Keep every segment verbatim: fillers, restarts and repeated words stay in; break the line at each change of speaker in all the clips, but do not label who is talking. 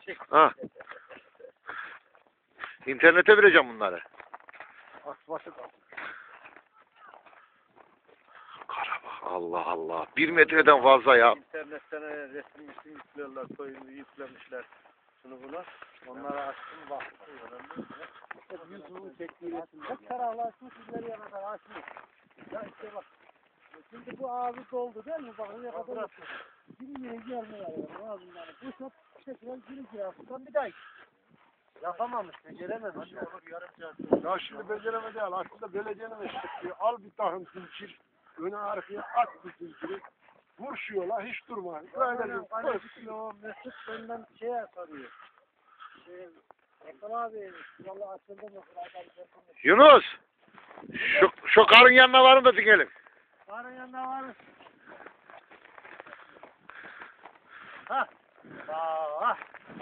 Ha. İnternete vereceğim bunları.
Asbaşı kaldı.
Kara bak, Allah Allah. Bir metreden fazla ya.
İnternetten resim resim yüklüyorlar, soyunu yüklemişler. Şunu buna. Onlara açtım baktım. YouTube'un çektiği resimler. Kararlaşmış ileri yana kadar açmış. Ya işte bak. Şimdi bu ağzı doldu değil mi? Bak ne kadar bir yere gelmiyor. Ağzından. Bu çok tekrar geri girer. Buradan bir daha. Yapamamış, becerememiş. Ya.
Ya şimdi beceremedi değil. Aslında belediyenin eşitliği. Al bir tahım zincir. Öne arkaya at bu zinciri. Vur şu yola hiç durma. Böyle bir
Hani o Mesut benden şeye soruyor. Şey, Ekran abi, yolu açıldı mı?
Yunus. Şu, şu karın yanına varın da dinleyelim.
Karın yanında var. Ha. Aa.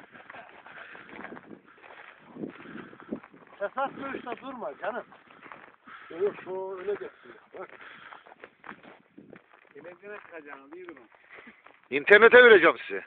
Esas görüşte durma canım.
Yok şu öne geçsin. Bak.
Televizyona çıkacağını değil mi?
İnternete vereceğim size.